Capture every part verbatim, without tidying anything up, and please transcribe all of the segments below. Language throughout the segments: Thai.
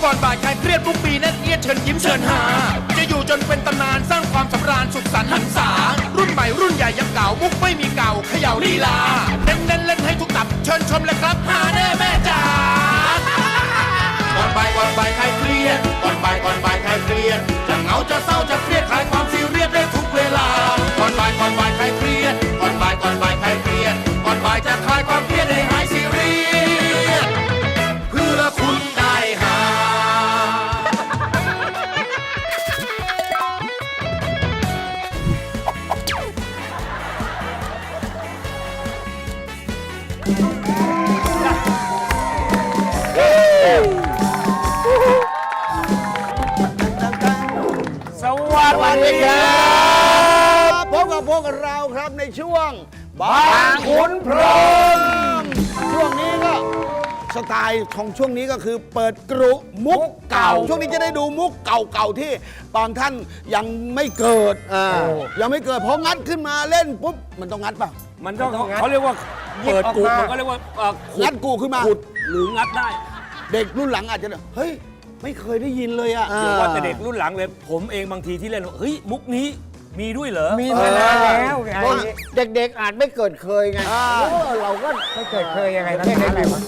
ก่อนบ่ายคลายเครียดทุกปีแน่นเอียดเชิญยิ้มเชิญหาจะอยู่จนเป็นตำนานสร้างความสำราญสุขสันต์หันษารุ่นใหม่รุ่นใหญ่ยังเก่ามุกไม่มีเก่าเขย่าลีลาเน้นเน้นเล่นให้ทุกตับเชิญชมเลยครับหาแน่แม่จ๋าก่อนบ่ายก่อนบ่ายคลายเครียดก่อนบ่ายก่อนบ่ายคลายเครียดจะเหงาจะเศร้าจะเครียดคลายความซีเรียสได้ทุกเวลาก่อนบ่ายก่อนบ่ายคลายเครียดก่อนบ่ายก่อนบ่ายคลายเครียดก่อนบ่ายจะคลายความเครียดให้หายซีเรียสเพื่อคุณได้หาสวัสดีครับพบกับพวกเราครับในช่วงบางขุนพรหมช่วงนี้ก็สไตล์ของช่วงนี้ก็คือเปิดกรุมุกเก่าช่วงนี้จะได้ดูมุกเก่าๆที่บางท่านยังไม่เกิดยังไม่เกิดพองัดขึ้นมาเล่นปุ๊บมันต้องงัดป่ะมันก็เขาเรียกว่าเปิดกูมันก็เรียกว่าเอ่อขุดงัดกูขึ้นมาขุดหรืองัดได้เด็กรุ่นหลังอาจจะเฮ้ยไม่เคยได้ยินเลยอ่ะเดี๋ยวว่าแต่เด็กรุ่นหลังเลยผมเองบางทีที่เล่นว่าเฮ้ยมุกนี้มีด้วยเหรอมีมานานแล้วไงเด็กๆอาจไม่เกิดเคยไงเราก็ไม่เคยเคยยังไงเล่นอะไรวะ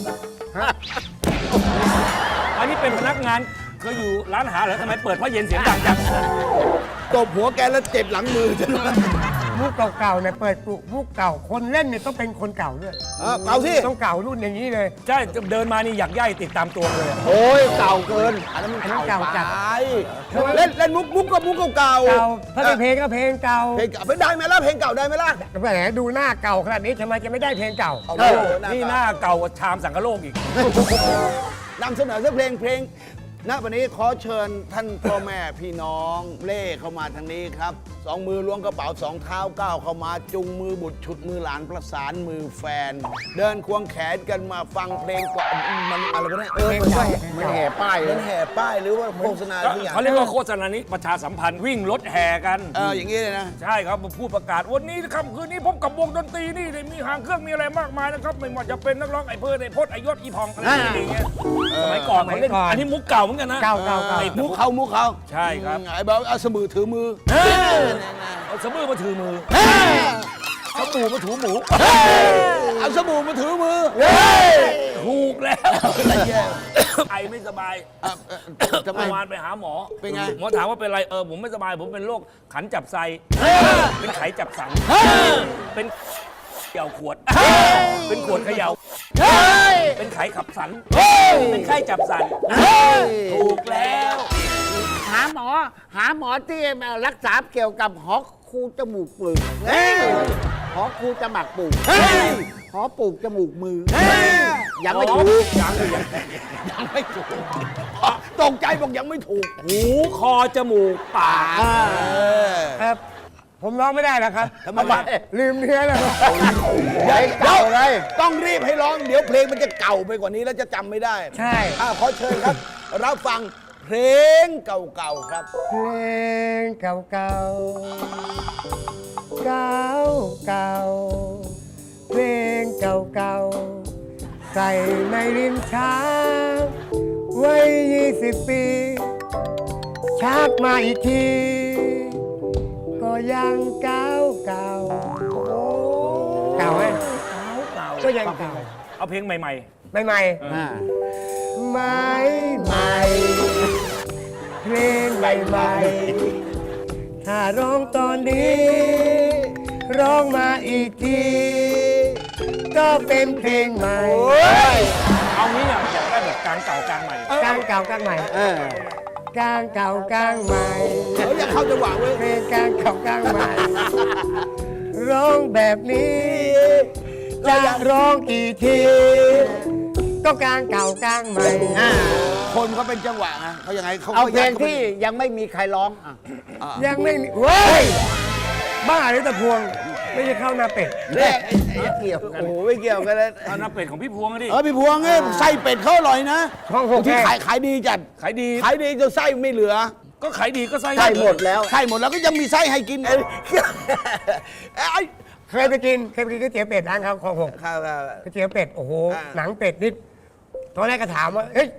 อันนี้เป็นพนักงานเคยอยู่ร้านอาหารเหรอทำไมเปิดเพราะเย็นเสียงดังจังตบหัวแกแล้วเจ็บหลังมือจะรู้มุกเก่าๆเนี่ยเปิดกลุ่มมุกเก่าคนเล่นเนี่ยต้องเป็นคนเก่าด้วยเก่าสิต้องเก่ารุ่นอย่างนี้เลยใช่เดินมานี่อยากย่ายติดตามตัวเลยโอ้ยเก่าเกินอันนั้นมันอันนั้นเก่าเก่าจัดไปเล่นเล่นมุกมุกก็มุกเก่าเก่าถ้าเป็นเพลงก็เพลงเก่าเพลงเก่าไม่ได้ไหมล่ะเพลงเก่าได้ไหมล่ะแหมดูหน้าเก่าขนาดนี้ทำไมจะไม่ได้เพลงเก่าเอาเลยนี่หน้าเก่ากว่าชามสังกะโลกอีกนำเสนอสักเพลงเพลงณวันนี้ขอเชิญท่านพ่อแม่พี่น้องเล่เข้ามาทางนี้ครับสองมือล้วงกระเป๋าสองเท้าก้าวเข้ามาจุงมือบุตรฉุดมือหลานประสานมือแฟน เดินควงแขนกันมาฟังเพลงกว่ามันอะไรวะเนี่ยเออมันใช่มันแห่ป้ายมันแห่ป้ายหรือว่าโฆษณาทุกอย่างเขาเรียกว่าโฆษณานี้ประชาสัมพันธ์วิ่งรถแห่กันเอออย่างนี้เลยนะใช่ครับมาพูดประกาศวันนี้ค่ำคืนนี้พบกับวงดนตรีนี่มีหางเครื่องมีอะไรมากมายนะครับไม่ว่าจะเป็นนักร้องไอ้เพื่อนไอ้พจน์ไอ้ยศอีพองอะไรอย่างเงี้ยสมัยก่อนเขาเล่นอันนี้มุกเก่าเหมือนกันนะเก่าเก่าเก่าไอ้มุกเขามุกเขาใช่ครับไอ้บอกเอาสมือถือมือเอาสบู่มาถือมือสบู่มาถูหมูเอาสบู่มาถือมือถูกแล้วไอไม่สบายทำไมเมื่อวานไปหาหมอเป็นไงหมอถามว่าเป็นไรเออผมไม่สบายผมเป็นโรคขันจับไซเป็นไขจับสันเป็นเขย่าขวด เป็นขวดเขย่าเป็นไขขับสันเป็นไข้จับสันถูกแล้วหาหมอ หาหมอที่มารักษาเกี่ยวกับหอคูจมูกปึกหอคูจมักปลูกหอปลูกจมูกมือ ยังไม่ถูกยังยังยังไม่ถูกตกใจบอกยังไม่ถูกหูคอจมูกปากครับผมร้องไม่ได้แล้วครับทำไมลืมเนื้อแล้วเดี๋ยวเดี๋ยวต้องรีบให้ร้องเดี๋ยวเพลงมันจะเก่าไปกว่านี้แล้วจะจำไม่ได้ใช่อ่ะขอเชิญครับรับฟังเพลงเก่าๆครับเพลงเก่าเก่าเก่าเก่าเพลงเก่าเก่าใส่ในลิ้นชักไว้ยี่สิบปีชักมาอีกที ก็ยังเก่าเก่าเก่าไหมเก่าก็ยังเก่าเอาเพลงใหม่ใหม่ใหม่ใหม่ใหม่เพลงใหม่ใหม่ถ้าร้องตอนนี้ ร้องมาอีกที ก็เป็นเพลงใหม่ๆเอางี้อยากอยากได้แบบกลางเก่ากลางใหม่กลางเก่ากลางใหม่กลางเก่ากลางใหม่เดี๋ยวอย่าเข้าจังหวะเว้ยเพลงกลางเก่ากลางใหม่ ร้องแบบนี้ จะร้องกี่ที ก็กลางเก่ากลางใหม่คนเขาเป็นจังหวะนะเขายังไงเขาเอาเพลงขาที่ยังไม่มีใครร้องอ่ะยังไม่มีเว้ย บ้าหรือตะพวง ไม่ใช่ข้าวหน้าเป็ดแรกไอ้ไอ้เกี่ยวกันโอ้โหไม่เกี่ยวกันเลยเอาน้ำเป็ดของพี่พวงดิเออพี่พวงเอ้ยไส้เป็ดเขาอร่อยนะช่องหกที่แค่ขายขายดีจัดขายดีขายดีจนไส้ไม่เหลือก็ขายดีก็ไส้ใช่หมดแล้วไส้หมดแล้วก็ยังมีไส้ให้กินไอ้ไอ้เคยไปกิน เคยไปกินก๋วยเตี๋ยวเป็ดร้านเขาของหกข้าวก๋วยเตี๋ยวเป็ด โอ้โหอ่าหนังเป็ดนิดตอนแรกก็ถามว่า เฮ้ย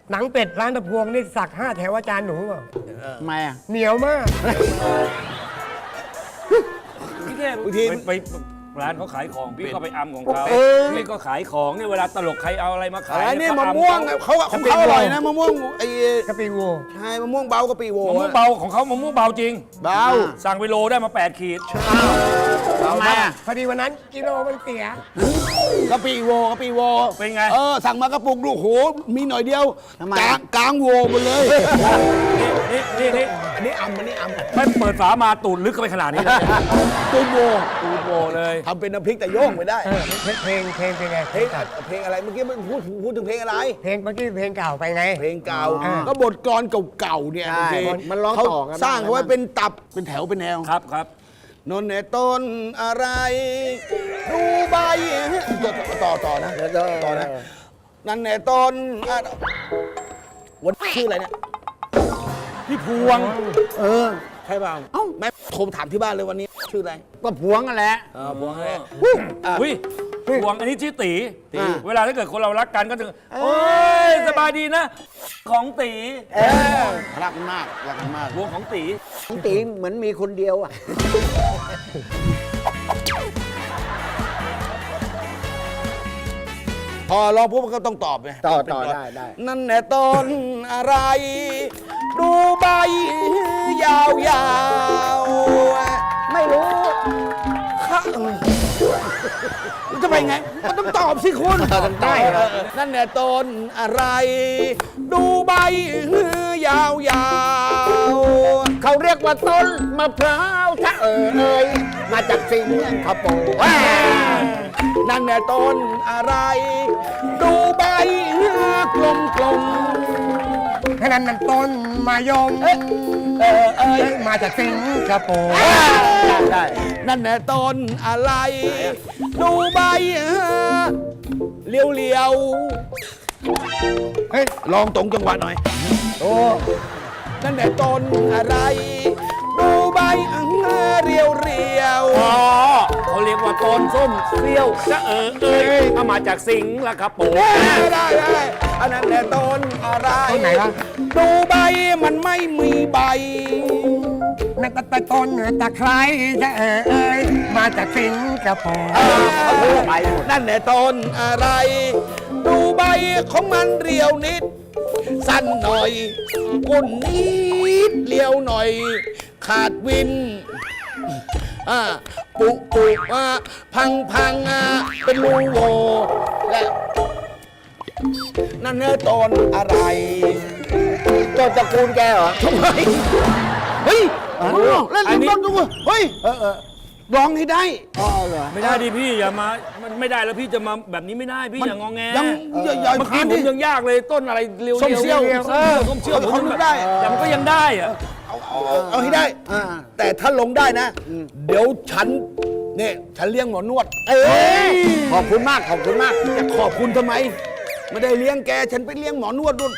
หนังเป็ดร้านตะพวงนี่สักห้าแถวอาจารย์หนูเปล่าทำไมอ่ะเหนียวมากพี่เทพบางทีไปไปร้านเขาขายของพี่ก็ไปอัมของเขาเออพี่ก็ขายของเนี่ยเวลาตลกใครเอาอะไรมาขายอันนี้เยมะเขาม่วงอัเขาของเขาอร่อยนะมะม่วงไอ้กะปิโวใช่มะม่วงเบากะปิโวมะม่วงเบาของเขามะม่วงเบาจริงเบาสั่งไปโลได้มาแปดขีดทำไมอ่ะพอดีวันนั้นกิโลมันเสียกะปิโวกะปิโวเป็นไงเออสั่งมากระปุกดูโหมีหน่อยเดียวทำไมกลางกลางโวหมดเลยนี่นี่นี่อันนี้อัมอันนี้อัมไม่เปิดฝามาตูดลึกเข้าไปขนาดนี้เลยตูนโวตูดโบเลยทำเป็นน้ำพริกแต่โยงไม่ได้เออเพลงเพลงเพลงเป็นไงเพลงเพลงอะไรเมื่อกี้มันพูดพูดถึงเพลงอะไรเพลงเมื่อกี้เพลงเก่าไปไงเพลงเก่าอ่าก็บทกลอนเก่าๆเนี่ยใช่บางทีมันร้องเขาต่อกันสร้างบ้างเขาไว้เป็นตับเป็นแถวเป็นแนวครับครับนนในต้นอะไรดูใบต่อต่อต่อนะต่อนะนั่นในต้นอะวันชื่ออะไรเนี่ยพี่พวงเออใช่เปล่าเอ้าแม่โทรถามที่บ้านเลยวันนี้ชื่ออะไรก็พวงกันแหละเออพวงอะไรอุ้ยพวงอันนี้ชื่อตีตีเวลาถ้าเกิดคนเรารักกันก็จะโอ้ยสบายดีนะ ของตีเออรักมากรักมากพวงของตีน้องตีเหมือนมีคนเดียวอ่ะพอร้องปุ๊บมันก็ต้องตอบไงต่อเป็นต่อก่นได้ได้นั่นแหละต้นอะไร ดูใบยาวๆไม่รู้ค่ะมันจะไปไง มันต้องตอบสิคุณต้องได้เหรอนั่นแหละต้นอะไร ดูใบยาวๆเขาเรียกว่าต้นมะพร้าวถ้าเอ่ยมาจากสิงคโปร์นั่นแหละต้นอะไร ดูใบกลมกลมแค่นั้นนั่นต้นมายมๆเอ้ยเออเอ้ยมาจากสิงคโปร์ได้นั่นแหละต้นอะไร ดูใบเลี้ยวเลี้ยวๆเฮ้ยลองตรงจังหวะหน่อย โอ้ นั่นแหละต้นอะไร ดูใบเรียวเรียวๆอ๋อเขาเรียกว่าต้นส้มเปรี้ยวจะเออเอยเอามาจากสิงห์ละครับผมได้ได้ได้อันนั้นแหละต้นอะไรต้นไหนวะดูใบมันไม่มีใบนั่นตะตะต้นตะไคร้จะเอ่ยมาจากสิงคโปร์ไปนั่นแหละต้นอะไร ดูใบของมันเรียวนิด สั้นหน่อยกุ่นนิดเรียวหน่อย ขาดวินอ่าปุปุอ่าพังพังอ่าเป็นรูโหวและนั่นเนื้อต้นอะไรต้นตระกูลแกเหรอทำไมเฮ้ยเล่นลิ้นบ้างดูเฮ้ยร้องให้ได้อ๋อเหรอไม่ได้ดิพี่อย่ามามันไม่ได้แล้วพี่จะมาแบบนี้ไม่ได้พี่อย่างงอแงยังใหญ่เมื่อผ่ากี้นผดิมยังยากเลยต้นอะไรเรียวๆส้มเซี่ยวเออส้มเชี่ยวเอาผมเขายังนึกได้แต่มันก็ยังได้อะเอาเอาเอาเอาให้ได้อ่าแต่ถ้าลงได้นะ เดี๋ยวฉันเนี่ยฉันเลี้ยงหมอนวดเอ้ยขอบคุณมากขอบคุณมากจะขอบคุณทำไม ไม่ได้เลี้ยงแก ฉันไปเลี้ยงหมอนวดนู่น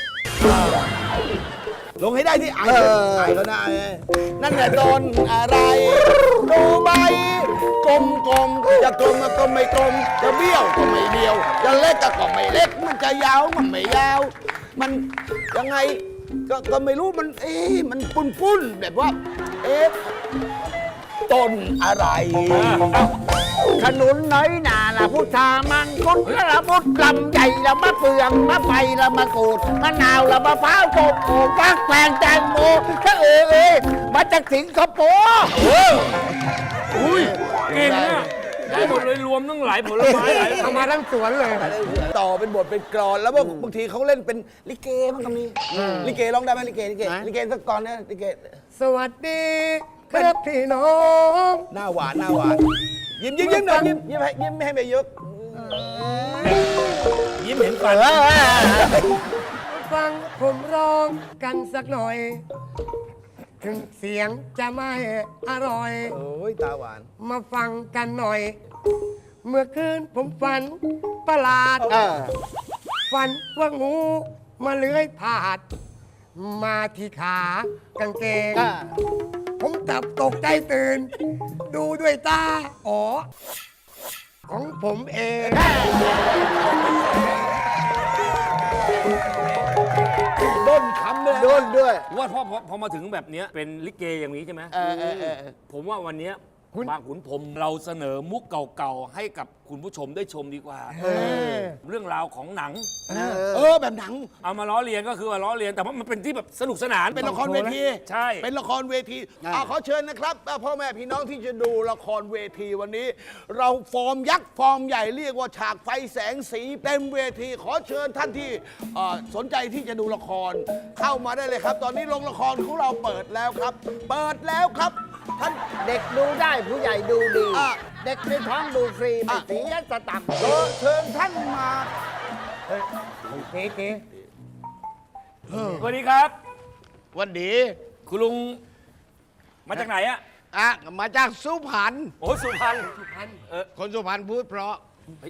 ลงให้ได้ที่ไอ้เออไอ้แล้วนะไอ้นั่นแหละต้นอะไรดูใบกลมกลมๆจะกลมก็ไม่กลม จะเบี้ยวก็ไม่เบี้ยว จะเล็กก็ไม่เล็ก มันจะยาวมันไม่ยาว มันยังไงก็ก็ไม่รู้มันเอ๊ะมันปุ้นปุ้นๆแบบว่า เอ๊ะต้นอะไรขนุนน้อยหนาละพุทธามังคุดละพุทธลำใหญ่ละมะเฟืองมะไฟละมะกรูดมะนาวละมะพร้าวโกโก้ฟักแฟงแตงโมถ้าเอ่ยเอ้ยมาจากสิงคโปร์อุ้ยเก่งอะได้หมดเลยรวมทั้งหลายผลไม้หลายเอามาทั้งสวนเลยต่อเป็นบทเป็นกรอนแล้วบางบางทีเขาเล่นเป็นลิเกบ้างก็มีลิเกร้องได้ไหมลิเกลิเกลิเกสักกรอนนะลิเกสวัสดีครับพี่น้องหน้าหวานหน้าหวานยิ้มยิ้มยิ้มหน่อยยิ้มยิ้มให้ยิ้มให้ไปเยอะยิ้มเห็นฟันฟังผมร้องกันสักหน่อย ถึงเสียงจะไม่อร่อยโอ้ยตาหวานมาฟังกันหน่อย เมื่อคืนผมฝันประหลาดเออฝันว่างูมาเลื้อยผ่าน มาที่ขากางเกงอ่าผมตับตกใจตื่น ดูด้วยตา อ๋อ ของผมเองรุ่นด้วยว่าพอพอพอมาถึงแบบเนี้ยเป็นลิเกอย่างนี้ใช่ไหมเออเออเออผมว่าวันเนี้ยบางขุนพรหมเราเสนอมุกเก่าๆให้กับคุณผู้ชมได้ชมดีกว่า เรื่องราวของหนังเออแบบหนังเอามาล้อเลียนก็คือว่าล้อเลียนแต่ว่ามันเป็นที่แบบสนุกสนานเป็นละครเวทีใช่เป็นละครเวทีอ่ะขอเชิญนะครับอ่ะพ่อแม่พี่น้องที่จะดูละครเวทีวันนี้ เราฟอร์มยักษ์ฟอร์มใหญ่เรียกว่าฉากไฟแสงสีเต็มเวที ขอเชิญท่านที่เอ่อสนใจที่จะดูละครเข้ามาได้เลยครับ ตอนนี้โรงละครของเราเปิดแล้วครับ เปิดแล้วครับท่านเด็กดูได้ผู้ใหญ่ดูดีอ่ะเด็กในท้องดูฟรีไม่อ่ะเสียสตังค์ขอเชิญท่านมาเก๋เก๋สวัสดีครับวันดีคุณลุงมาจากไหนอะอ่ะมาจากสุพรรณโอ้สุพรรณสุพรรณเออคนสุพรรณพูดเพราะ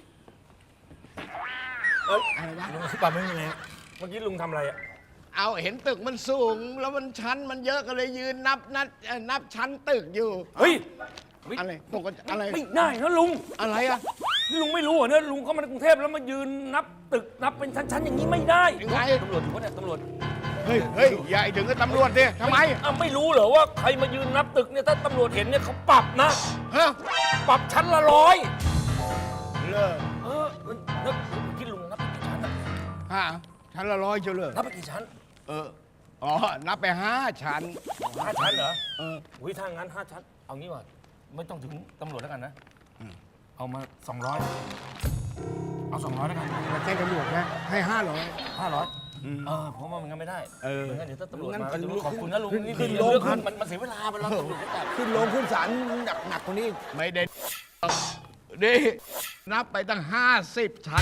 เอ้ยลุงปั๊มไม่มีไงเมื่อกี้ลุงทำอะไรอะเอาเห็นตึกมันสูง แล้วมันชั้นมันเยอะก็เลยยืนนับนับเอ่อนับชั้นตึกอยู่เฮ้ยเฮ้ยอะไรปกติอะไรไม่ได้นะลุงอะไรอ่ะนี่ลุงไม่รู้เหรอเนี่ยลุงเข้ามาในกรุงเทพแล้วมายืนนับตึกนับเป็นชั้นๆอย่างนี้ไม่ได้ยังไงตำรวจอยู่ปะเนี่ยตำรวจเฮ้ยเฮ้ยอย่าให้ถึงกับตำรวจดิทำไมอ้าวไม่รู้เหรอว่าใครมายืนนับตึกเนี่ยถ้าตำรวจเห็นเนี่ยเขาปรับนะฮะปรับชั้นละร้อยเลิกเออนึกคิดลุงนับไปกี่ชั้นอะฮะชั้นละร้อยเชียวเลยนับไปกี่ชั้นเอออ๋อนับไปห้าชั้นห้าชั้นเหรอเอออุ้ยถ้างั้นห้าชั้นเอางี้ว่ะไม่ต้องถึงตำรวจแล้วกันนะเอามาสองร้อยเอาสองร้อยแล้วกันมาแจ้งตำรวจนะให้ห้าร้อยห้าร้อยเออผมว่ามันงั้นไม่ได้เออไม่งั้นเดี๋ยวถ้าตำรวจงั้นมาขึ้นจะรู้ขอบคุณนะลุงนี่ขึ้นนี่โรงเรื่องพัขึ้กนมันมันเสียเวลาไปแล้วตำรวจจะจับขึ้นโรงขึ้นศาลหนักหนักกว่านี้ไม่ได้ดินับไปตั้งห้าสิบชั้น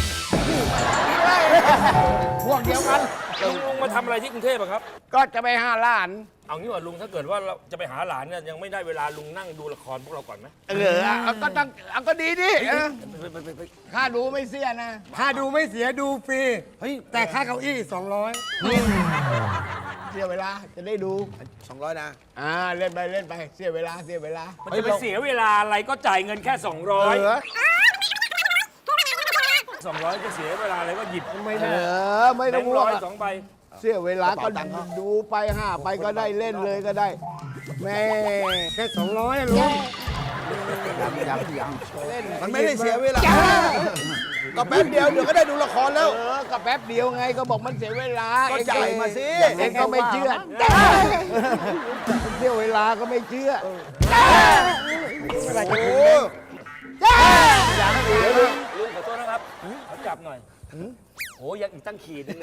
พวกเดียวกันลุงลุงมาทำอะไรที่กรุงเทพอะครับก็จะไปห้าล้านเอางี้ว่าลุงถ้าเกิดว่าเราจะไปหาหลานเนี่ยยังไม่ได้เวลาลุงนั่งดูละครพวกเราก่อนไหมเออเอาก็ต้องเอาก็ดีดิเออไปไปไปไปค่าดูไม่เสียนะค่าดูไม่เสียดูฟรีเฮ้ยแต่ค่าเก้าอี้สองร้อยเสียเวลาจะได้ดูสองร้อยนะอ่าเล่นไปเล่นไปเสียเวลาเสียเวลามันจะไปเสียเวลาอะไรก็จ่ายเงินแค่สองร้อยเออสองร้อยจะเสียเวลาอะไรก็หยิบไม่เอได้อไม่แบต้องงค์ห่วร้งอยอะสองใบเสียเวลาก็กระเป๋าตังค์เขาดูไปห้าไปก็ได้เล่นเลยก็ได้แม่แค่สองร้อยลุงยังยังเล่นมันไม่ได้เสียเวลาก็แป๊บเดียวเดี๋ยวก็ได้ดูละครแล้วเออก็แป๊บเดียวไงก็บอกมันเสียเวลาก็จ่ายมาสิเองก็ไม่เชื่อเสียเวลาก็ไม่เชื่อโอ้ลุงขอโทษนะครับขอจับหน่อยโอ้ยังอีกตั้งขีดนึง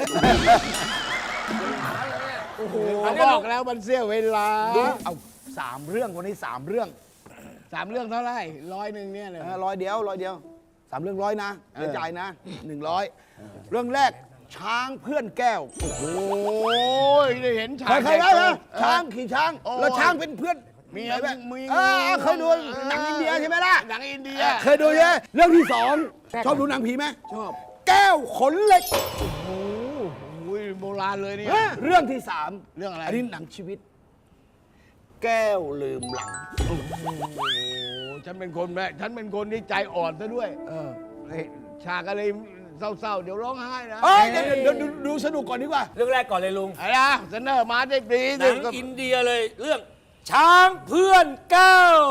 เขาบอกแล้วมันเสียเวลาดูเอาสามเรื่องวันนี้สามเรื่องสามเรื่องเท่าไหร่ร้อยหนึ่งเนี่ยเลยเออร้อยเดียวร้อยเดียวสามเรื่องร้อยนะเดี๋ยวจ่ายนะหนึ่งร้อยเรื่องแรกช้างเพื่อนแก้วโอ้ยได้เห็นฉากเคยเคยได้ไหมเออช้างขี่ช้างโอ้ยแล้วช้างเป็นเพื่อนมีไหนแบบมีเออเคยดูหนังอินเดียใช่ไหมล่ะหนังอินเดียเคยดูใช่ไหมเรื่องที่สองชอบดูหนังผีไหมชอบแก้วขนเหล็กโอ้ยโบราณเลยเนี่ยเรื่องที่สามเรื่องอะไรอันนี้หนังชีวิต แก้วลืมหลังโอ้ฉันเป็นคนแม่ฉันเป็นคนที่ใจอ่อนซะด้วยเออเฮ้ยฉากอะไรเศร้าๆ เดี๋ยวร้องไห้นะเอ้ยเดี๋ยวเดี๋ยวดูดูสนุกก่อนดีกว่าเรื่องแรกก่อนเลยลุงอะไรนะเสนอมาได้ดีหนังอินเดียเลยเรื่องช้างเพื่อนแก้ว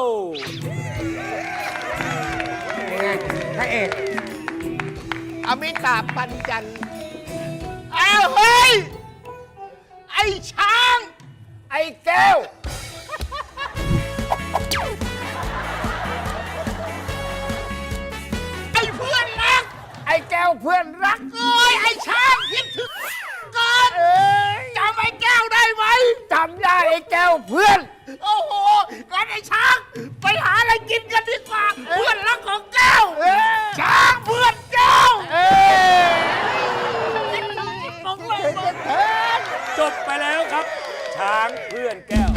พระเอกอมิตาบปัญจันทร์อ้าวเฮ้ย ไอ้ช้าง ไอ้แก้ว ไอ้เพื่อนรัก ไอ้แก้วเพื่อนรักโอ้ยไอ้ช้างคิดถึงกันจำไอ้แก้วได้ไหมจำได้ไอ้แก้วเพื่อน โอ้โหงั้นไอ้ช้างไปหาอะไรกินกันดีกว่า เพื่อนรักของแก้วช้างเพื่อนแก้วต้องเลยมาเถิดจบไปแล้วครับ ช้างเพื่อนแก้ว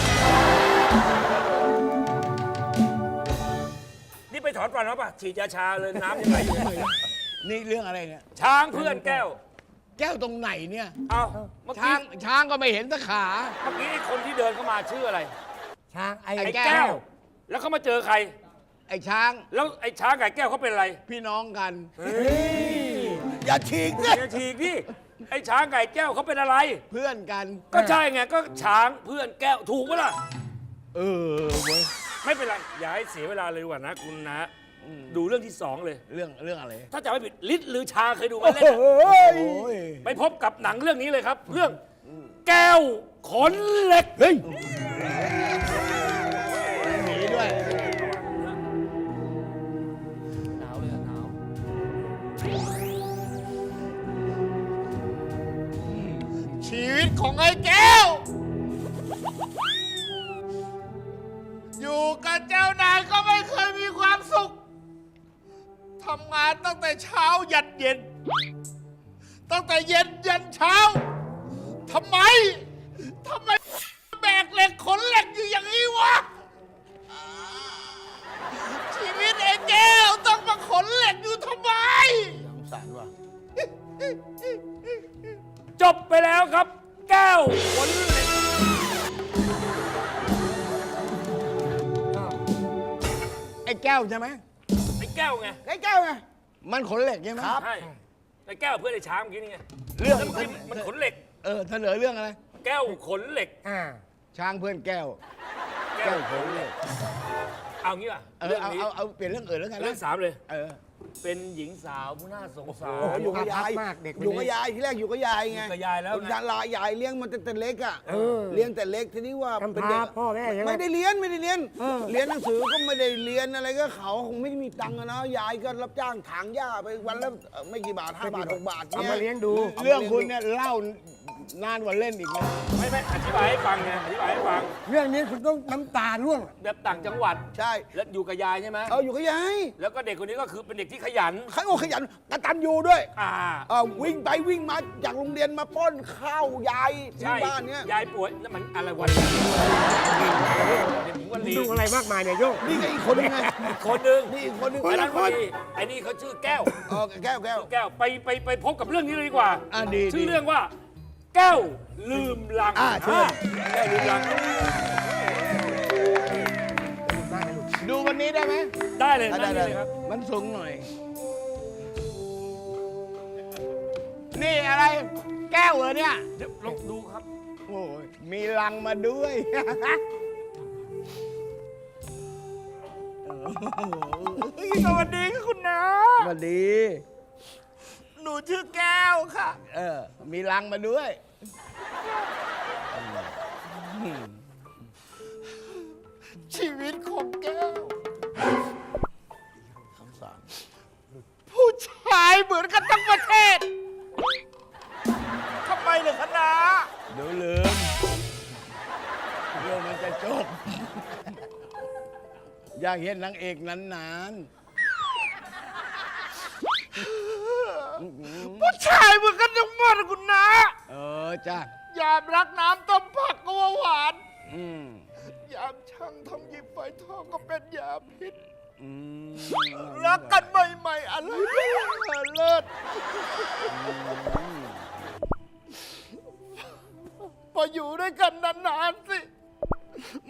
นี่ไปถอนฟันมาป่ะฉีดยาชาเลยน้ำยังไงอยู่เลยนี่เรื่องอะไรเนี่ยช้างเพื่อนแก้วแก้วตรงไหนเนี่ยเอาเมื่อช้ากี้งช้างก็ไม่เห็นสักขาเมื่อกี้ไอ้คนที่เดินเข้ามาชื่ออะไรช้างไอ้ไอ้ไอ้แก้แก้วว แล้วเขามาเจอใครไอ้ช้างแล้วไอ้ช้างกับไอ้แก้วเขาเป็นอะไรพี่น้องกันเฮ้ยอย่าฉีกสิอย่าฉีกดิไอ้ช้างไก่แก้วเขาเป็นอะไรเพื่อนกันก็ใช่ไงก็ช้างเพื่อนแก้วถูกปะล่ะเออเว้ยไม่เป็นไรอย่าให้เสียเวลาเลยดีกว่านะคุณนะดูเรื่องที่สองเลยเรื่องเรื่องอะไรถ้าจำไม่ผิดลิศหรือชาเคยดูไหมเล่นโอ้อะยไปพบกับหนังเรื่องนี้เลยครับ เรื่องแก้วขนเหล็กเฮ้ยหนีด้วยหนาวเลยอะหนาวชีวิตของไอ้แก้ว อยู่กับเจ้านายก็ไม่เคยมีความสุข ทำงานตั้งแต่เช้ายันเย็น ตั้งแต่เย็นยันเช้า ทำไม ทำไมแบกเหล็กขนเหล็กอยู่อย่างนี้วะ ชีวิตไอ้แก้วต้องมาขนเหล็กอยู่ทำไมสงสารว่ะจบไปแล้วครับ แก้วขนเหล็กไอ้แก้วใช่ไหมไอ้แก้วไงไอ้แก้วไง มันขนเหล็กใช่ไหมใช่ไอ้แก้วเพื่อนไอ้ช้างเมื่อกี้นี่ไงเรื่องแล้วมันมันขนเหล็กเออเสนอเรื่องอะไรแก้วขนเหล็กอ่าช้างเพื่อนแก้วแก้แก้ววขนเหล็กเอางี้ป่ะเออเรื่องเอานี้เอาเอาเปลี่ยนเรื่องอื่นแล้วกันนะเรื่องสามเลยเออเป็นหญิงสาวผู้น่าสงสาโอ้โหรอยู่กับยายมากเด็กคนนี้อยู่กับยายที่แรกอยู่กับยายไงอยู่กับยายแล้วไงยายลายายเลี้ยงมันแต่แต่เล็กอ่ะเออเลี้ยงแต่เล็กทีนี้ว่าทำเป็นพาเด็กพ่อแม่ใช่ไหมไม่ได้เรียนไม่ได้เรียนเออเรียนหนังสือก็ไม่ได้เรียนอะไรก็เขาคงไม่มีตังค์อะนะยายก็รับจ้างถางหญ้าไปวันละเอ่อไม่กี่บาทห้าบาทหกบาทเอามาเลี้ยงดูเรื่องคุณเนี่ยเล่านานกว่าเล่นอีกนะไม่ไม่อธิบายให้ฟังไงอธิบายให้ฟังเรื่องนี้คุณต้องน้ำตาร่วงแบบต่างจังหวัดใช่แล้วอยู่กับยายใช่ไหมเอออยู่กับยายแล้วก็เด็กคนนี้ก็คือเป็นเด็กที่ขยันขยันขยันกตัญญูด้วยอ่าเออวิ่งไปวิ่งมาจากโรงเรียนมาป้อนข้าวยายที่ใช่บ้านเนี้ยยายป่วยแล้วมันอะไรวันเด็กหญิงวันลีดูอะไรมากมายเนี่ยโยกนี่ก็อีกคนนึงไงอีกคนหนึ่งนี่อีกคนนึงไอ้ละนั้นควันรลีไอ้นี่เขาชื่อแก้วเออแก้วแก้วแก้วไปไปไปพบกับเรื่องนี้เลยดีกว่าอ่ะดีชื่อดีเรื่องว่า แก้วลืมลังอ่ะเชิญแก้วลืมลังดูวันนี้ได้ไหมได้เลยได้นั่งได้เลยครับมันสูงหน่อย นี่อะไร แก้วเหรอเนี่ยเดี๋ยวลองดูครับโอ้ยมีลังมาด้วยสวัสดีค่ะคุณน้าสวัสดีหนูชื่อแก้วค่ะเออ มีลังมาด้วยชีวิตของแก้ว ผู้ชายเหมือนกันทั้งประเทศ ทำไมเลยคะน้าเดี๋ยวลืมเรื่องมันจะจบ อยากเห็นนางเอกนานผู้ชายเหมือนกันทั้งหมดอะคุณน้าๆ เออจ้ายามรักน้ำต้มผักก็ว่าหวานอืมยามช่างทำหยิบไฟทองก็เป็นยาพิษอืมรักกันใหม่ๆอะไรก็เลิศพออยู่ด้วยกันนานๆสิ มัน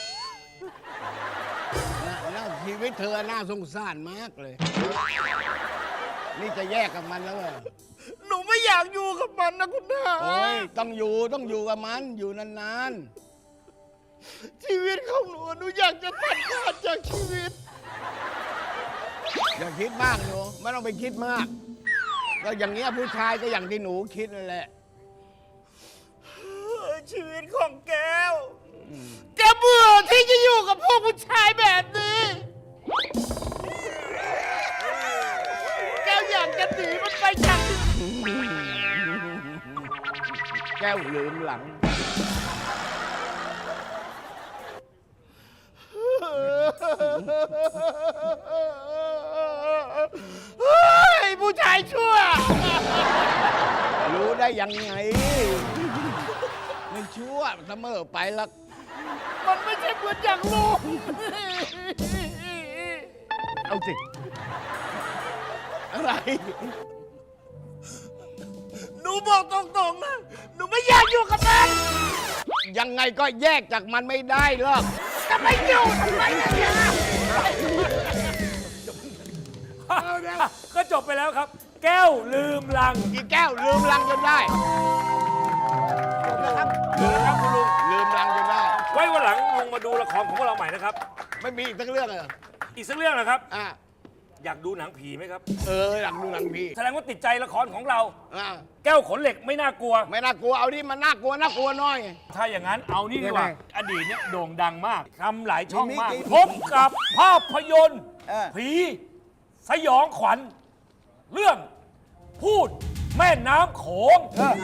น่าน่าชีวิตเธอน่าสงสารมากเลย นี่จะแยกกับมันแล้วเหรอหนูไม่อยากอยู่กับมันนะคุณน้าโอ้ยต้องอยู่ต้องอยู่กับมัน อยู่นานชีวิตของหนูหนูอยากจะตัดขาดจากชีวิตๆ อย่าคิดมากหนูไม่ต้องไปคิดมาก ก็อย่างเงี้ยผู้ชายก็อย่างที่หนูคิดนั่นแหละชีวิตของแก้ว แกเบื่อที่จะอยู่กับพวกผู้ชายแบบนี้ แก้วอยากจะหนีมันไปจากที่แก้วลืมหลังเฮ้ยผู้ชายชั่วรู้ได้ยังไง ไม่ชั่วเสมอไปหรอกมันไม่ใช่เหมือนอย่างลูกเอาสิ อะไรหนูบอกตรงๆนะ หนูไม่อยากอยู่กับมันยังไงก็แยกจากมันไม่ได้หรอกจะไม่อยู่ทำไมเนี่ยก็จบไปแล้วครับแก้วลืมลังอีแก้วลืมลังจนได้ลืมแล้วครับคุณลุงลืมลังจนได้ไว้วันหลังลุงมาดูละครของพวกเราใหม่นะครับไม่มีอีกสักเรื่องเลยเหรออีกสักเรื่องนะครับอ่ะอยากดูหนังผีไหมครับเออหลังดูหลังพี่แสดงว่าติดใจละครของเราอ่ะแก้วขนเหล็กไม่น่ากลัวไม่น่ากลัวเอาดิมันน่ากลัวน่ากลัวหน้อยถ้าอย่างนั้นเอานี่ดีกว่ายังไงอดีตเนี่ยโด่งดังมากทำหลายช่องมากมีมีพบกับภาพยนตร์เออผีสยองขวัญ เรื่องพูดแม่น้ำโขง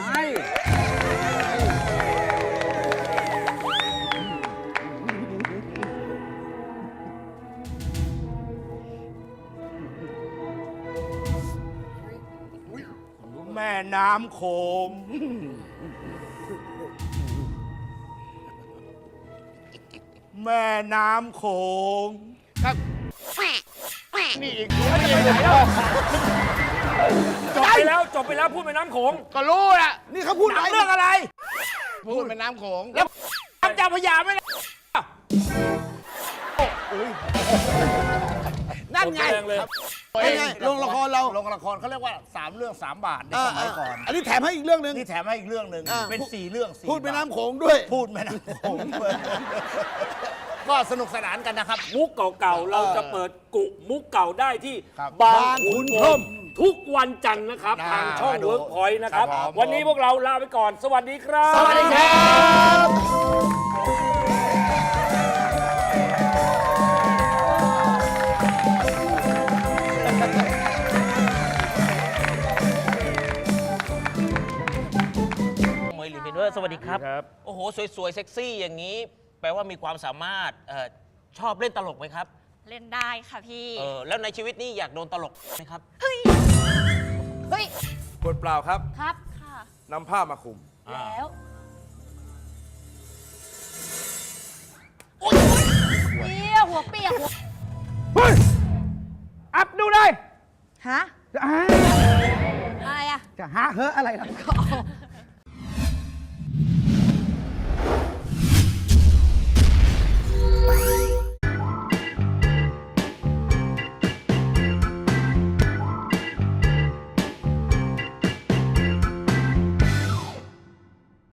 แม่น้ำโขงแม่น้ำโขงครับนี่อีกไม่ได้ไหนแล้วจบไปแล้วจบไปแล้วพูดแม่น้ำโขงก็รู้แหละนี่เขาพูดหนังเรื่องอะไรพูดแม่น้ำโขงแล้วน้ำเจ้าพระยาไม่ได้นั่นไงแรงเลยเป็นไงลงละครเราลงละครเขาเรียกว่าสามเรื่องสามบาทในเอสอมัยก่อนอันนี้แถมให้อีกเรื่องหนึ่งนี่แถมให้อีกเรื่องหนึ่งอ่าเป็นสี่เรื่องสี่พูดแม่บาทน้ำโขงด้วยพูดแม่น้ำโขงก็สนุกสนานกันนะครับมุกเก่าๆ เราจะเปิดกุมุกเก่าได้ที่ครับบางขุนพรหมทุกวันจันทร์นะครับอ่าทางช่องมาดูเวิร์กพอยต์นะครับครับผมวันนี้พวกเราลาไปก่อน สวัสดีครับสวัสดีครับเมยหรือเพนด้วยสวัสดีครับ โอ้โห สวยๆ เซ็กซี่อย่างนี้ แปลว่ามีความสามารถเออชอบเล่นตลกไหมครับเล่นได้ค่ะพี่เออแล้วในชีวิตนี้อยากโดนตลกไหมครับเฮ้ย เฮ้ยขวดเปล่าครับครับ ค่ะนำผ้ามาคลุมแล้ว โอ๊ยเปียหัวเปียกหัวอัพดูเลยฮะอ่าอะไรอะจะหาเฮ้ออะไรล่ะก็เอา